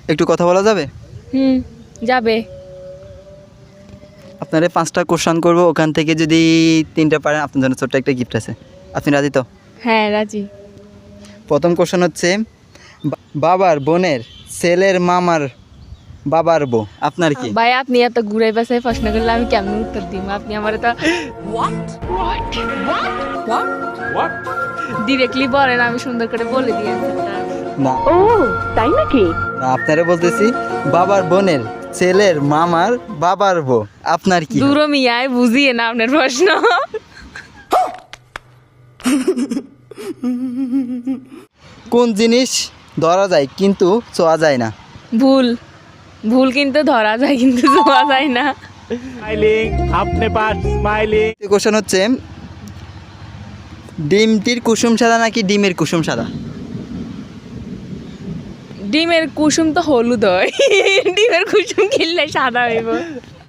একটু কথা বলা যাবে? যাবে। আপনারা 5টা কোশ্চেন করবো, ওখান থেকে যদি 3টা পারেন আপনার জন্য ছোট্ট একটা গিফট আছে। আপনি রাজি তো? হ্যাঁ রাজি। প্রথম কোশ্চেন হচ্ছে বাবার বোনের ছেলের মামার বাবার বউ আপনার কি? ভাই আপনি এত ঘুরাই বাসায় প্রশ্ন করলে আমি কেমন উত্তর দিব? আপনি আমার তো ডিরেক্টলি বলেন, আমি সুন্দর করে বলে দিই অ্যান্সারটা। না ও তাই নাকি? না, আপনারা বলতেছি বাবার বোনের ছেলের মামার বাবার বউ আপনার কি? দূর মিয়ায় বুঝিয়ে না আপনার প্রশ্ন। কোন জিনিস ধরা যায় কিন্তু ছোঁয়া যায় না? ভুল। ভুল কিন্তু ধরা যায়, কিন্তু ছোঁয়া যায় না। स्माइलिंग अपने पास स्माइलिंग। কোশ্চেন হচ্ছে ডিমটির কুসুম সাদা নাকি ডিমের কুসুম সাদা? ডিমের কুসুম তো হলুদ হয়, ডিমের কুসুম কিনলে সাদা হইব।